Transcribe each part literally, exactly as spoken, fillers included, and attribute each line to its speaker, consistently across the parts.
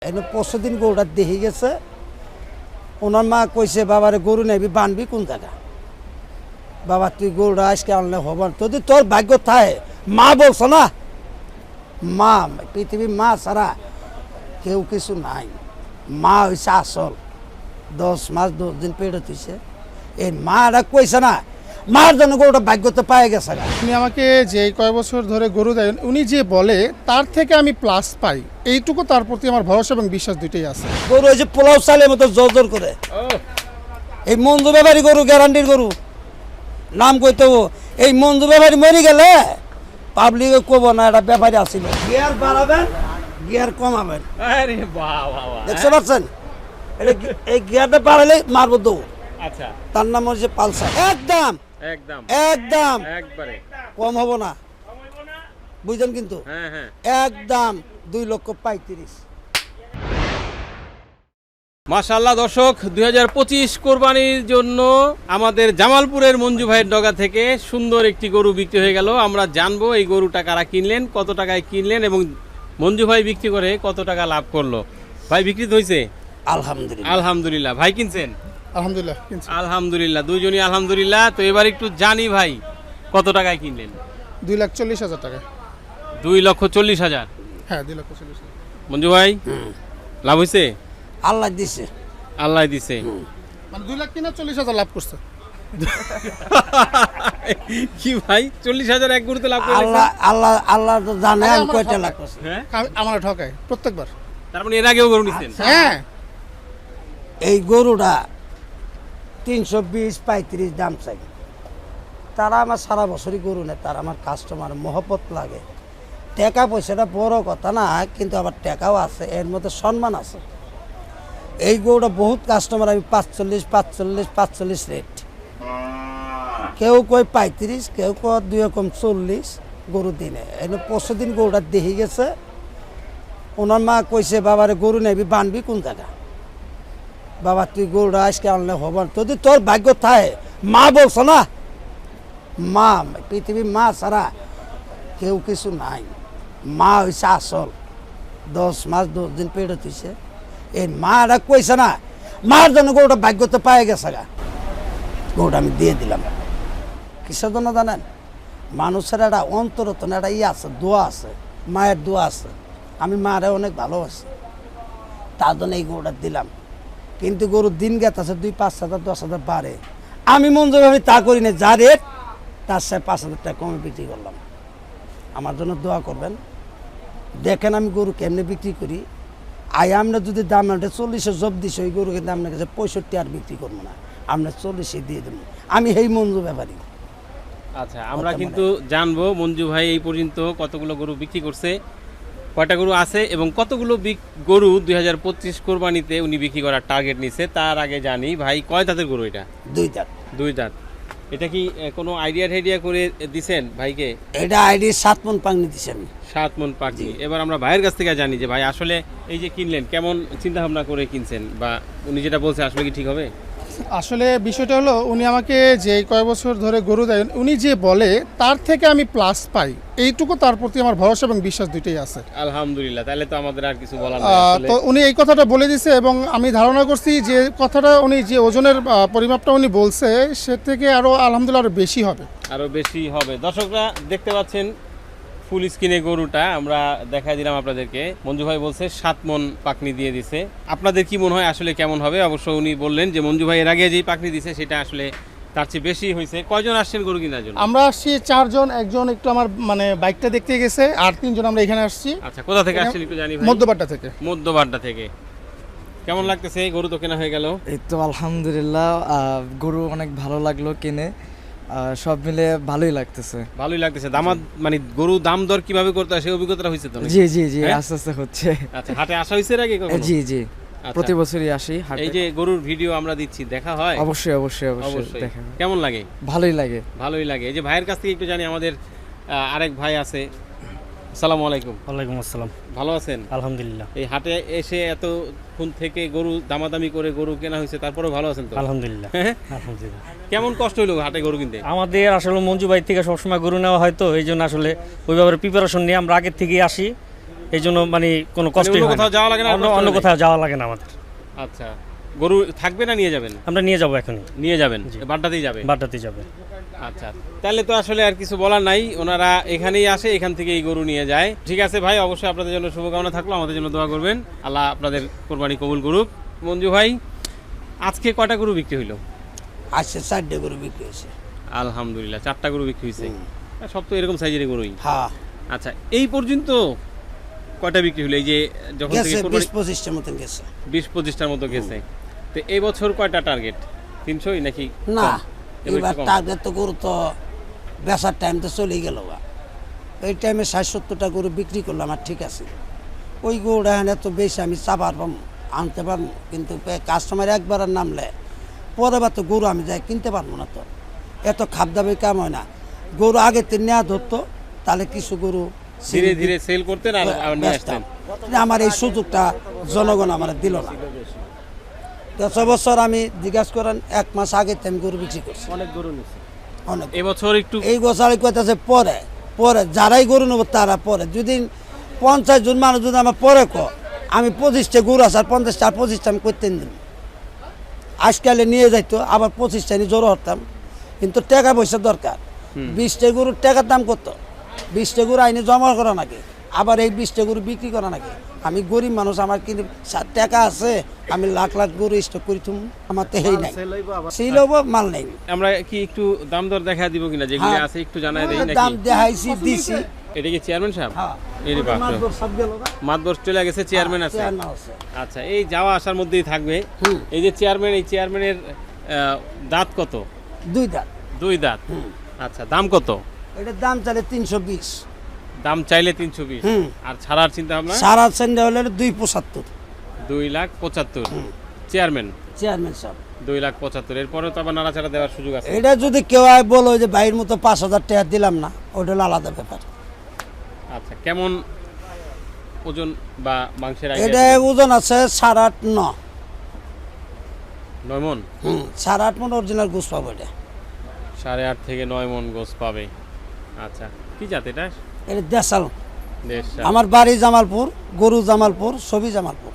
Speaker 1: এনে পরশু দিন গরুটা দেখে গেছে, ওনার মা কইছে বাবারে গরু নেবি বানবি কোন জায়গা, বাবা তুই গরুটা আজকে আনলে হবার যদি তোর ভাগ্য থাকে। মা বলছো না, মা পৃথিবীর মা ছাড়া কেউ কিছু নাই। মা হয়েছে আসল। দশ মাস দশ দিন পেটে তুইছে, এই মারা কইছে না, মার জন্য গরুটা ভাগ্যতে পায়ে গেছে।
Speaker 2: উনি আমাকে যে কয় বছর ধরে গরু দেন, উনি যে বলে তার থেকে আমি প্লাস পাই, এইটুকু তার প্রতি আমার ভরসা এবং বিশ্বাস দুইটাই আছে।
Speaker 1: গরু হয়েছে পোলাও চালের মতো জোর জোর করে। এই মঞ্জু ব্যাপারী গরু, গ্যারান্টির গরু নাম কইতে, এই মঞ্জু ব্যাপারী মরে গেলে পাবলিকে কব না এটা ব্যাপারী আসিল। গিয়ার বাড়াবেন, গিয়ার কমাবেন, দেখতে পাচ্ছেন? এটা এই গিয়ারটা বাড়ালে মারবো দৌড়।
Speaker 3: আচ্ছা,
Speaker 1: তার নাম হচ্ছে পালসার। একদম
Speaker 3: একদম
Speaker 1: একদম
Speaker 3: একবারে
Speaker 1: কম হবো না, বুঝলেন? কিন্তু
Speaker 3: হ্যাঁ হ্যাঁ
Speaker 1: একদম দুই লক্ষ পঁয়ত্রিশ।
Speaker 3: মাশাআল্লাহ দর্শক, দুই হাজার পঁচিশ কোরবানির জন্য আমাদের জামালপুরের মঞ্জু ভাইয়ের ডগা থেকে সুন্দর একটি গরু বিক্রি হয়ে গেল। আমরা জানবো এই গরুটা কারা কিনলেন, কত টাকায় কিনলেন এবং মঞ্জু ভাই বিক্রি করে কত টাকা লাভ করলো। ভাই বিক্রি হয়েছে?
Speaker 1: আলহামদুলিল্লাহ
Speaker 3: আলহামদুলিল্লাহ। ভাই কিনছেন?
Speaker 2: আলহামদুলিল্লাহ।
Speaker 3: আলহামদুলিল্লাহ, দুইজনই আলহামদুলিল্লাহ। তো এবার একটু জানি ভাই কত টাকায় কিনলেন?
Speaker 2: দুই লাখ চল্লিশ হাজার টাকা।
Speaker 3: দুই লক্ষ চল্লিশ হাজার।
Speaker 2: হ্যাঁ, দুই লক্ষ চল্লিশ হাজার।
Speaker 3: মঞ্জু ভাই লাভ হয়েছে?
Speaker 1: আল্লাহ দিছে,
Speaker 3: আল্লাহ দিছে।
Speaker 2: মানে দুই লাখ কিনা চল্লিশ হাজার লাভ করছে।
Speaker 3: কি ভাই, চল্লিশ হাজার এক গরুতে লাভ করে?
Speaker 1: আল্লাহ আল্লাহ আল্লাহ তো জানে
Speaker 2: আরে
Speaker 1: আমি
Speaker 2: আমার
Speaker 1: কয়টা
Speaker 2: ঠকায়।
Speaker 1: লাখ করছি।
Speaker 3: হ্যাঁ,
Speaker 2: আমার ঠকায় প্রত্যেকবার।
Speaker 3: তার মানে এর আগেও গরু নিছেন?
Speaker 2: হ্যাঁ,
Speaker 1: এই গরুটা তিনশো বিশ পঁয়ত্রিশ দাম চাই। তারা আমার সারা বছরই গরু নেয়, তারা আমার কাস্টমার মহব্বত লাগে। টাকা পয়সাটা বড় কথা না, কিন্তু আবার টাকাও আছে, এর মধ্যে সম্মান আছে। এই গরুটা বহুত কাস্টমার, আমি পাঁচচল্লিশ পাঁচচল্লিশ পাঁচচল্লিশ রেট, কেউ কয় পঁয়ত্রিশ, কেউ কয় দুই রকম চল্লিশ গরু দিনে। এনে পরশু দিন গরুটা দেখে গেছে, ওনার মা কইছে বাবারে গরু নেবি বানবি কোন জায়গা, বাবা তুই গরুটা আজকে আনলে হবার যদি তোর ভাগ্য থাকে। মা বলছো না, মা পৃথিবীর মা ছাড়া কেউ কিছু নাই। মা হয়েছে আসল। দশ মাস দশ দিন পেটে তুইছে, এই মারা কইছে না, মার জন্য গরুটা ভাগ্যতে পায়ে গেছে। গা গরুটা আমি দিয়ে দিলাম। কিসের জন্য জানেন? মানুষের একটা অন্তরতন একটা ইয়ে আছে, দোয়া আছে, মায়ের দোয়া আছে। আমি মারে অনেক ভালোবাসি, তার জন্য এই গরুটা দিলাম। কিন্তু গরুর দিন গেছে দুই পাঁচ হাজার দশ হাজার বাড়ে, আমি মঞ্জু ভাবি তা করি না, যা রেট তার সাথে পাঁচ হাজার টাকা কমে বিক্রি করলাম। আমার জন্য দোয়া করবেন। দেখেন আমি গরু কেমনে বিক্রি করি। আয় আমরা যদি দাম আনতে চল্লিশে জব দিছি, ওই গরু কিন্তু আপনার কাছে পঁয়ষট্টি আর বিক্রি করবো না, আমরা চল্লিশে দিয়ে দেবো। আমি এই মঞ্জু ব্যাপারী।
Speaker 3: আচ্ছা, আমরা কিন্তু জানবো মঞ্জু ভাই এই পর্যন্ত কতগুলো গরু বিক্রি করছে, কয়টা গরু আছে এবং কতগুলো গরু দুই হাজার পঁচিশ কোরবানিতে উনি বিক্রি করার টার্গেট নিছে। তার আগে জানি ভাই কয় দাঁতের গরু এটা?
Speaker 1: দুই দাঁত।
Speaker 3: দুই দাঁত। এটা কি কোনো আইডিয়া টাইডিয়া করে দিছেন ভাইকে?
Speaker 1: এটা আইডি সাত মন পাংনি দিছি আমি।
Speaker 3: সাত মন পাখি। এবার আমরা ভাইয়ের কাছ থেকে জানি যে ভাই আসলে এই যে কিনলেন কেমন চিন্তা ভাবনা করে কিনছেন, বা উনি যেটা বলছে আসলে কি ঠিক হবে?
Speaker 2: আসলে বিষয়টা হলো, উনি আমাকে যে কয় বছর ধরে গরু দেন, উনি যে বলে তার থেকে আমি প্লাস পাই, এইটুকু তার প্রতি আমার ভরসা এবং বিশ্বাস দুইটাই আছে।
Speaker 3: আলহামদুলিল্লাহ, তাহলে তো আমাদের আর কিছু বলার নেই।
Speaker 2: তো উনি এই কথাটা বলে দিছে এবং আমি ধারণা করছি যে কথাটা উনি যে ওজনের পরিমাপটা উনি বলছে, সে থেকে আরো আলহামদুলিল্লাহ আরো বেশি হবে,
Speaker 3: আরো বেশি হবে। দর্শকরা দেখতে পাচ্ছেন ফুল স্ক্রিনে গরুটা আমরা দেখাই দিলাম আপনাদেরকে। মঞ্জু ভাই বলছে সাত মন পাকনি দিয়ে দিছে। আপনাদের কি মনে হয় আসলে কেমন হবে? অবশ্য উনি বললেন যে মঞ্জু ভাই এর আগে যেই পাকনি দিছে সেটা আসলে তার চেয়ে বেশি হয়েছে। কয়জন আসছেন গরু কেনার জন্য?
Speaker 2: আমরা আসছি চারজন, একজন একটু আমার মানে বাইকটা দেখতে গেছে, আর তিনজন আমরা এখানে আসছি।
Speaker 3: আচ্ছা, কোথা থেকে আসছেন একটু জানি ভাই?
Speaker 2: মধ্যবাড্ডা থেকে।
Speaker 3: মধ্যবাড্ডা থেকে। কেমন লাগতেছে? গরু তো কেনা হয়ে গেল।
Speaker 4: এই তো আলহামদুলিল্লাহ, গরু অনেক ভালো লাগলো কিনে, সব মিলে ভালোই লাগতেছে।
Speaker 3: ভালোই লাগতেছে। দামাদ মানে গরু দাম দর কিভাবে করতে হয় সেই অভিজ্ঞতাটা হয়েছে তো?
Speaker 4: জি জি জি, আস্তে আস্তে হচ্ছে।
Speaker 3: আচ্ছা, হাটে আসা হয়েছে এর আগে কখনো?
Speaker 4: জি জি, প্রতি বছরই আসি হাটে।
Speaker 3: এই যে গরুর ভিডিও আমরা দিচ্ছি, দেখা হয়?
Speaker 4: অবশ্যই অবশ্যই অবশ্যই দেখা হয়।
Speaker 3: কেমন লাগে?
Speaker 4: ভালোই লাগে।
Speaker 3: ভালোই লাগে। এই যে ভাইয়ের কাছ থেকে একটু জানি, আমাদের আরেক ভাই আছে। আসসালামু আলাইকুম।
Speaker 5: ওয়ালাইকুম আসসালাম।
Speaker 3: ভালো আছেন?
Speaker 5: আলহামদুলিল্লাহ।
Speaker 3: এই হাটে এসে এত ফোন থেকে গরু দামাদামি করে গরু কেনা হয়েছে, তারপরেও ভালো আছেন তো?
Speaker 5: আলহামদুলিল্লাহ। আলহামদুলিল্লাহ।
Speaker 3: কেমন কষ্ট হলো হাটে গরু কিনতে?
Speaker 5: আমাদের আসলে মঞ্জু ভাই থেকে সবসময় গরু নেওয়া হয়, তো এই জন্য আসলে ওইভাবে প্রিপারেশন নিয়ে আমরা আগের থেকেই আসি। এই জন্য মানে কোনো কষ্ট
Speaker 3: অন্য কোথাও যাওয়া লাগে না,
Speaker 5: অন্য
Speaker 3: কষ্ট
Speaker 5: অন্য
Speaker 3: নেই?
Speaker 5: কোথাও যাওয়া লাগে না আমাদের।
Speaker 3: আচ্ছা, গরু থাকবে না নিয়ে যাবেন?
Speaker 5: আমরা নিয়ে যাবো এখনই,
Speaker 3: নিয়ে যাবেন,
Speaker 5: জি।
Speaker 3: বাড্ডাতেই যাবে।
Speaker 5: বাড্ডাতে যাবে।
Speaker 3: আচ্ছা, তাহলে তো আসলে আর কিছু বলার নাই, ওনারা এখানেই আসে, এখান থেকে এই গরু নিয়ে যায়। ঠিক আছে ভাই, অবশ্যই আপনাদের জন্য শুভকামনা থাকলো, আমাদের জন্য দোয়া করবেন, আল্লাহ আপনাদের কোরবানি কবুল করুক। মঞ্জু ভাই, আজকে কয়টা গরু বিক্রি হইলো?
Speaker 1: আসছে চারটে গরু বিক্রি হয়েছে।
Speaker 3: আলহামদুলিল্লাহ, চারটা গরু বিক্রি হয়েছে। সব তো এরকম সাইজের গরুই।
Speaker 1: হ্যাঁ,
Speaker 3: আচ্ছা, এই পর্যন্ত কয়টা বিক্রি হলো? এই যে যখন
Speaker 1: গেছে
Speaker 3: থেকে
Speaker 1: বিশ
Speaker 3: কোরবানি
Speaker 1: পঁচিশটার মতন গেছে।
Speaker 3: বিশ পঁচিশটার মতো গেছে। তো এই বছর কয়টা টার্গেট? তিনশোই নাকি
Speaker 1: না,
Speaker 3: কম? এবার
Speaker 1: এবার
Speaker 3: একটু কম।
Speaker 1: টার্গেট তো গরু তো বেচার টাইম তো চলেই গেল বা এই টাইমে ষাট সত্তরটা গরু বিক্রি করলাম, আর ঠিক আছে। ওই গরুটা এখানে এত বেশি আমি চাপার পাম আনতে পারবো, কিন্তু কাস্টমার একবার আর নামলে পরে বার তো গরু আমি যাই কিনতে পারবো না। তো এত খাপ দামে কাম হয় না। গরু আগে তো নেওয়া ধরতো, তাহলে কিছু গরু
Speaker 3: ধীরে ধীরে সেল করতেন আর আবার নিয়ে
Speaker 1: বেচতাম।
Speaker 3: আসতেন।
Speaker 1: কিন্তু আমার এই সুযোগটা জনগণ আমার দিল না। দশ বছর আমি জিজ্ঞাসা করেন এক মাস আগে তো আমি গরু বিক্রি করছি
Speaker 5: অনেক গরু নিচ্ছে।
Speaker 1: অনেক।
Speaker 3: এবছর একটু
Speaker 1: এই গোছালি কইতেছে পরে পরে যারাই গরু নেবো তারা পরে, যদি পঞ্চাশ জন মানুষ যদি আমার পরে ক আমি পঁচিশটা গরু আছে আর পঞ্চাশটা আর পঁচিশটা আমি করতে দিন আজকালে নিয়ে যাইতো, আবার পঁচিশটা নিয়ে জোর হতাম, কিন্তু টাকা পয়সা দরকার। বিশটা গরুর টাকার দাম কত? বিশটা গরু আইনে জমা করা নাকি, আবার এই বিশটা গরু বিক্রি করা নাকি? আমি গরিব মানুষ, আমার কিন্তু সা- টাকা আছে, আমি লাখ লাখ গরু স্টক করি তুমি, আমার তো হেই নাই, সেই লোক মাল নেই।
Speaker 3: আমরা কি একটু দাম দর দেখা দিব কিনা, যেগুলো
Speaker 1: হ্যাঁ।
Speaker 3: আছে একটু জানাই দেই
Speaker 1: দাম
Speaker 3: নাকি?
Speaker 1: দেখাইছি দিছি।
Speaker 3: এটা কি চেয়ারম্যান সাহেব?
Speaker 1: হ্যাঁ,
Speaker 3: এই রে বাপ রে।
Speaker 1: মাতবর সব গেল না?
Speaker 3: মাতবর চলে গেছে, চেয়ারম্যান আছে।
Speaker 1: চেয়ারম্যান আছে।
Speaker 3: আচ্ছা, এই যাওয়া আসার মধ্যেই থাকবে।
Speaker 1: হুম।
Speaker 3: এই যে চেয়ারম্যান, এই চেয়ারম্যানের আহ, দাঁত কত?
Speaker 1: দুই দাঁত।
Speaker 3: দুই দাঁত। আচ্ছা, দাম কত?
Speaker 1: এটার দাম চাইলে তিনশো বিশ,
Speaker 3: দাম চাইলে তিনশো বিশ।
Speaker 1: হুম।
Speaker 3: আর ছাড়ার চিন্তা ভাবনা?
Speaker 1: সারা সেন্ডা হলে দুই পঁচাত্তর।
Speaker 3: দুই লাখ পঁচাত্তর। চেয়ারম্যান
Speaker 1: চেয়ারম্যান সাহেব,
Speaker 3: দুই লাখ পঁচাত্তর। এরপরে তো আবার নাড়াচাড়া দেওয়ার সুযোগ আছে।
Speaker 1: এটা যদি কেউ আয় বলো যে ভাইয়ের মতো পাঁচ হাজার টাকা দিলাম না, ওটা হলো আলাদা ব্যাপার।
Speaker 3: আচ্ছা, কেমন ওজন বা মাংসের
Speaker 1: এটা
Speaker 3: আইডিয়া?
Speaker 1: ওজন আছে সাড়ে আট ন
Speaker 3: নয় মন।
Speaker 1: হুম, সাড়ে আট মন অরিজিনাল গোস পাবো এটা।
Speaker 3: সাড়ে আট থেকে নয় মন গোস পাবে। আচ্ছা, কি জাত এটা?
Speaker 1: এটা দেশাল।
Speaker 3: দেশ
Speaker 1: আমার বাড়ি জামালপুর, গরু জামালপুর, ছবি জামালপুর।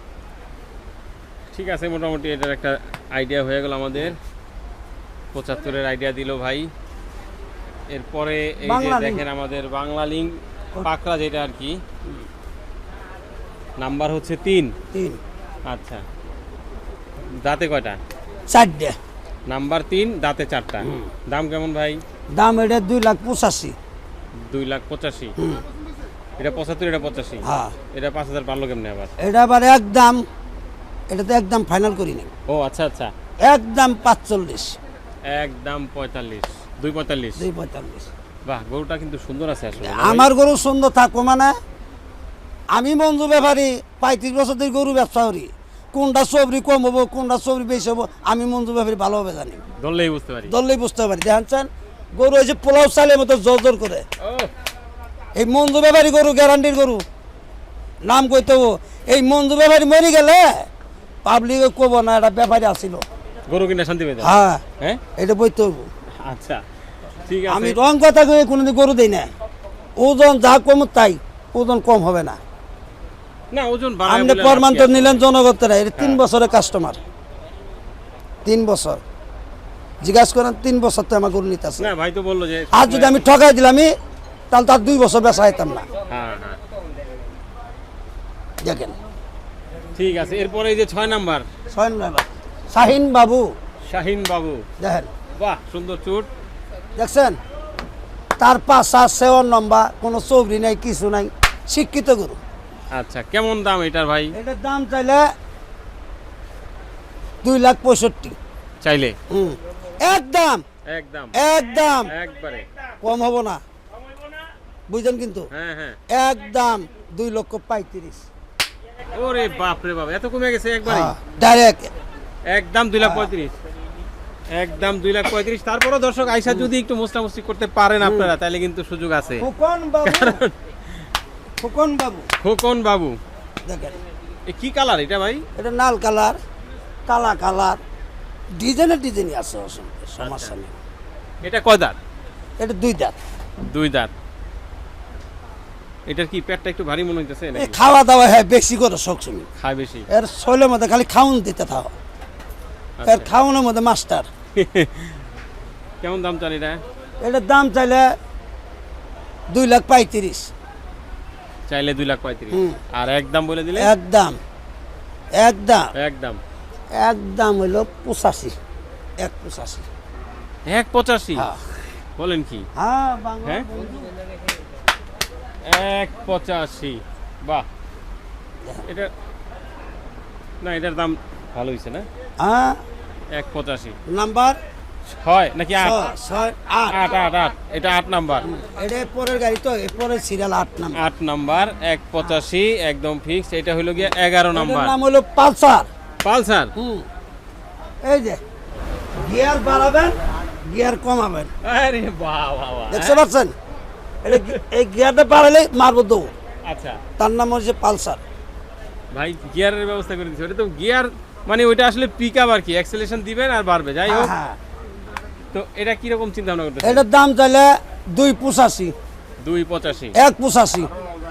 Speaker 3: ঠিক আছে, মোটামুটি এটার একটা আইডিয়া হয়ে গেল আমাদের। পঁচাত্তরের আইডিয়া দিল ভাই। এরপরে এই যে
Speaker 1: বাংলা লিঙ্ক।
Speaker 3: দেখেন আমাদের বাংলা লিঙ্ক পাকড়া, যেটা আর কি নাম্বার হচ্ছে তিন।
Speaker 1: তিন
Speaker 3: আচ্ছা, দাঁতে কয়টা?
Speaker 1: চারটে।
Speaker 3: নাম্বার তিন, দাঁতে চারটা। দাম কেমন ভাই?
Speaker 1: দাম এটা দুই লাখ পঁচাশি।
Speaker 3: দুই লাখ পঁচাশি।
Speaker 1: হুম,
Speaker 3: এটা পঁচাত্তর, এটা পঁচাশি।
Speaker 1: হ্যাঁ।
Speaker 3: এটা পাঁচ হাজার পারলো কেমনে আবার?
Speaker 1: এটা আবার একদম, এটা তো একদম ফাইনাল করিনি,
Speaker 3: ও আচ্ছা আচ্ছা,
Speaker 1: একদম পাঁচচল্লিশ,
Speaker 3: একদম পঁয়তাল্লিশ, দুই পঁয়তাল্লিশ।
Speaker 1: দুই পঁয়তাল্লিশ।
Speaker 3: বাহ, গরুটা কিন্তু সুন্দর আছে আসলে।
Speaker 1: আমার গরু সুন্দর থাকবো মানে, আমি মঞ্জু ব্যাপারী পঁয়ত্রিশ বছর ধরে গরু ব্যবসা করি, কোনটা সবরি কম হবো কোনটা সবরি বেশি হবো আমি মঞ্জু ব্যাপারী ভালোভাবে জানি,
Speaker 3: ধরলেই বুঝতে পারি।
Speaker 1: ধরলেই বুঝতে পারি। দেখেন গরু হয়েছে পোলাও চালের মতো জোর জোর করে,
Speaker 3: ও
Speaker 1: এই মঞ্জু ব্যাপারী গরু গ্যারান্টির গরু, নাম কইতে হবো। এই মঞ্জু ব্যাপারী মরে গেলে পাবলিকে কব না এটা ব্যাপারী আসিল।
Speaker 3: গরু কিনা শান্তি পেয়ে যাবে।
Speaker 1: হ্যাঁ,
Speaker 3: হ্যাঁ,
Speaker 1: এটা বইতে হবো।
Speaker 3: আচ্ছা ঠিক
Speaker 1: আমি
Speaker 3: আছে।
Speaker 1: রং কথা কয়ে কোনোদিন গরু দিই না, ওজন যা কম তাই, ওজন কম হবে না।
Speaker 3: না, ওজন বাড়ায়
Speaker 1: আপনি
Speaker 3: বলে
Speaker 1: প্রমাণ
Speaker 3: লাভ কি
Speaker 1: তো
Speaker 3: আছে?
Speaker 1: নিলেন জনগণেরা, এটা তিন
Speaker 3: হ্যাঁ।
Speaker 1: বছরের কাস্টমার, তিন বছর জিজ্ঞাসা করেন, তিন বছর তো আমার গরু নিতে আছে।
Speaker 3: না, ভাই তো বললো যে
Speaker 1: আর যদি আমি ঠকাই দিলাম আমি, তাহলে তার দুই বছর বেচা হইতাম না।
Speaker 3: হ্যাঁ হ্যাঁ,
Speaker 1: দেখেন
Speaker 3: ঠিক আছে। এরপরে এই যে ছয় নাম্বার
Speaker 1: ছয় নম্বর শাহিন বাবু,
Speaker 3: শাহিন বাবু,
Speaker 1: দেখেন
Speaker 3: বাহ সুন্দর চুট।
Speaker 1: দেখছেন, তার পাশা সেওয়ার নম্বর, কোনো চৌরি নাই কিছু নাই, শিক্ষিত গরু।
Speaker 3: আচ্ছা, কেমন দাম এটার ভাই?
Speaker 1: এটার দাম চাইলে দুই লাখ পঁয়ষট্টি।
Speaker 3: চাইলে
Speaker 1: হুম, একদম
Speaker 3: একদম
Speaker 1: একদম
Speaker 3: একবারে
Speaker 1: কম হবো না, বুঝলেন কিন্তু,
Speaker 3: হ্যাঁ হ্যাঁ।
Speaker 1: একদম দুই লক্ষ পঁয়ত্রিশ।
Speaker 3: ওরে বাপ রে বাপ, এত কমে গেছে একবারে?
Speaker 1: ডাইরেক্ট
Speaker 3: একদম দুই লাখ পঁয়ত্রিশ, একদম দুই লাখ পঁয়ত্রিশ। তারপরও দর্শক আইসা যদি একটু মোস্টামুস্তি করতে পারেন আপনারা, তাহলে কিন্তু সুযোগ আছে।
Speaker 1: ফুকন বাবু, ফুকন বাবু
Speaker 3: খোকন বাবু,
Speaker 1: দেখেন,
Speaker 3: এ কি কালার এটা ভাই?
Speaker 1: এটা লাল কালার, কালা কালার, ডিজাইনের ডিজাইনই আছে, অসংখ্য সমস্যা নেই।
Speaker 3: এটা কয় দাঁত?
Speaker 1: এটা দুই দাঁত।
Speaker 3: দুই দাঁত। এটার কি পেটটা একটু ভারী মনে হইতেছে
Speaker 1: এই
Speaker 3: নাকি
Speaker 1: খাওয়া দাওয়া হ্যাঁ বেশি করে সবসময়
Speaker 3: খায় বেশি
Speaker 1: এর শৈলের মধ্যে খালি খাউন দিতে থাও
Speaker 3: আচ্ছা।
Speaker 1: এর খাওয়ানোর মধ্যে মাস্টার
Speaker 3: কেমন দাম চান এটা
Speaker 1: এটার দাম চাইলে দুই লাখ পঁয়ত্রিশ
Speaker 3: চাইলে দুই লাখ পঁয়ত্রিশ
Speaker 1: হুম।
Speaker 3: আর একদম বলে দিলে
Speaker 1: একদম একদম
Speaker 3: একদম
Speaker 1: একদম হইলো পঁচাশি এক পঁচাশি
Speaker 3: এক পঁচাশি
Speaker 1: হ্যাঁ।
Speaker 3: বলেন কি
Speaker 1: হ্যাঁ বাংলা
Speaker 3: হ্যাঁ এক পঁচাশি বাহ এটা না এটার দাম ভালো হয়েছে না
Speaker 1: হ্যাঁ
Speaker 3: এক পঁচাশি
Speaker 1: নাম্বার
Speaker 3: ছয় নাকি আট
Speaker 1: ছয় ছয় আট
Speaker 3: আট আট আট এটা আট নাম্বার
Speaker 1: এটা পরের গাড়ি তো এর পরের সিরিয়াল আট নাম্বার
Speaker 3: আট নাম্বার এক পঁচাশি একদম ফিক্স এটা হলো গিয়ে এগারো নাম্বার
Speaker 1: এটার নাম হলো পালসার
Speaker 3: পালসার
Speaker 1: হুম এই যে গিয়ার বাড়াবেন গিয়ার কমাবেন
Speaker 3: আরে বাহ বাহ বাহ
Speaker 1: দেখতে পাচ্ছেন এটা গি- এই গিয়ারটা বাড়ালে মারবো দৌড়
Speaker 3: আচ্ছা
Speaker 1: তার নাম হচ্ছে পালসার
Speaker 3: ভাই গিয়ারের ব্যবস্থা করে দিচ্ছি ওটা তো গিয়ার মানে ওইটা আসলে পিক আপ আর কি অ্যাক্সেলেশন দিবেন আর বাড়বে যাই হোক
Speaker 1: হ্যাঁ
Speaker 3: তো এটা কিরকম চিন্তা ভাবনা করতেছেন
Speaker 1: এটার দাম চাইলে দুই পঁচাশি
Speaker 3: দুই পঁচাশি
Speaker 1: এক পঁচাশি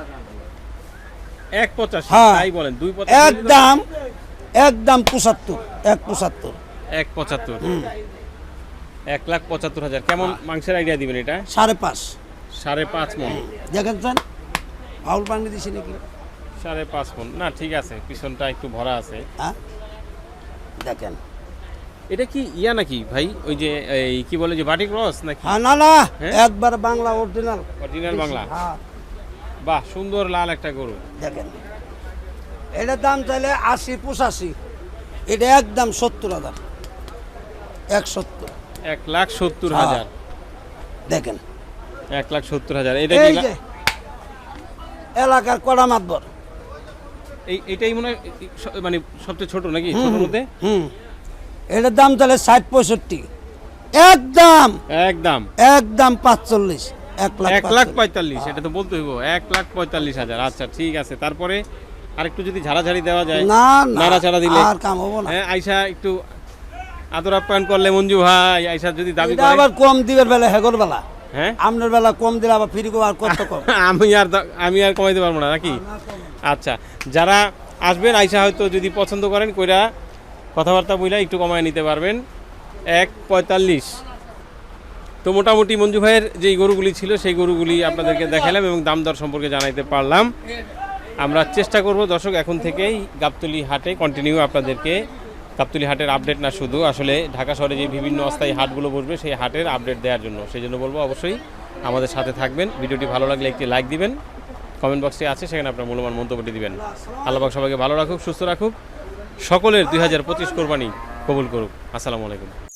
Speaker 3: এক পঁচাশি
Speaker 1: হ্যাঁ।
Speaker 3: তাই বলেন দুই পঁচাশি
Speaker 1: একদম একদম পঁচাত্তর এক পঁচাত্তর
Speaker 3: এক পঁচাত্তর এক লাখ পঁচাত্তর হাজার কেমন মাংসের আইডিয়া দিবেন এটা
Speaker 1: সাড়ে পাঁচ
Speaker 3: সাড়ে পাঁচ মন
Speaker 1: দেখেন ফাউল পানি দিছি নাকি
Speaker 3: সাড়ে পাঁচ মন না ঠিক আছে পিছনটা একটু ভরা আছে
Speaker 1: হ্যাঁ দেখেন
Speaker 3: এটা কি ইয়া নাকি ভাই ওই যে এই কি বলে যে বাটি ক্রস নাকি
Speaker 1: হ্যাঁ না না
Speaker 3: হ্যাঁ?
Speaker 1: একবার বাংলা অরিজিনাল
Speaker 3: অরিজিনাল বাংলা
Speaker 1: হ্যাঁ
Speaker 3: বাহ সুন্দর লাল একটা গরু
Speaker 1: দেখেন এটার দাম চাইলে আশি পঁচাশি এটা একদম সত্তর হাজার এক সত্তর
Speaker 3: এক লাখ সত্তর
Speaker 1: হ্যাঁ।
Speaker 3: হাজার
Speaker 1: দেখেন
Speaker 3: এক লাখ সত্তর হাজার এটা
Speaker 1: এই
Speaker 3: কি
Speaker 1: যে এলাকার কড়া মাতবর
Speaker 3: এই এটাই মনে হয় এই স- মানে সবচেয়ে ছোট নাকি ছোটোর মধ্যে
Speaker 1: হুম এটার দাম চাইলে ষাট পঁয়ষট্টি একদম
Speaker 3: একদম
Speaker 1: একদম পাঁচচল্লিশ এক লাখ
Speaker 3: এক লাখ
Speaker 1: পাঁচচল্লিশ।
Speaker 3: পঁয়তাল্লিশ এটা তো বলতে হইব এক লাখ পঁয়তাল্লিশ হাজার আচ্ছা ঠিক আছে তারপরে আরেকটু যদি ঝাড়াঝাড়ি দেওয়া যায়
Speaker 1: না না
Speaker 3: নাড়াচাড়া দিলে
Speaker 1: আর কাম হবো না
Speaker 3: হ্যাঁ আইসা একটু আদর আপ্যায়ন করলে মঞ্জু ভাই আইসা যদি দাবি
Speaker 1: এটা
Speaker 3: করে
Speaker 1: আবার কম দিবের বেলা হেগর বেলা
Speaker 3: হ্যাঁ
Speaker 1: আপনার বেলা কম দিলে আবার ফিরি আর কত কম
Speaker 3: আমি আর দ- আমি আর কমাইতে পারবো না নাকি আচ্ছা যারা আসবেন আইসা হয়তো যদি পছন্দ করেন কইরা কথাবার্তা বইলা একটু কমায় নিতে পারবেন এক পঁয়তাল্লিশ তো মোটামুটি মঞ্জু ভাইয়ের যেই গরুগুলি ছিল সেই গরুগুলি আপনাদেরকে দেখালাম এবং দাম দর সম্পর্কে জানাইতে পারলাম আমরা চেষ্টা করব দর্শক এখন থেকেই গাবতলী হাটে কন্টিনিউ আপনাদেরকে গাবতলী হাটের আপডেট না শুধু আসলে ঢাকা শহরে যে বিভিন্ন অস্থায়ী হাটগুলো বসবে সেই হাটের আপডেট দেওয়ার জন্য সেই জন্য বলবো অবশ্যই আমাদের সাথে থাকবেন ভিডিওটি ভালো লাগলে একটি লাইক দিবেন কমেন্ট বক্সে আছে সেখানে আপনার মূল্যবান মন্তব্যটি দিবেন আল্লাহ পাক সবাইকে ভালো রাখুক সুস্থ রাখুক সকলের দুই হাজার পঁচিশ কোরবানি কবুল করুক আসসালামু আলাইকুম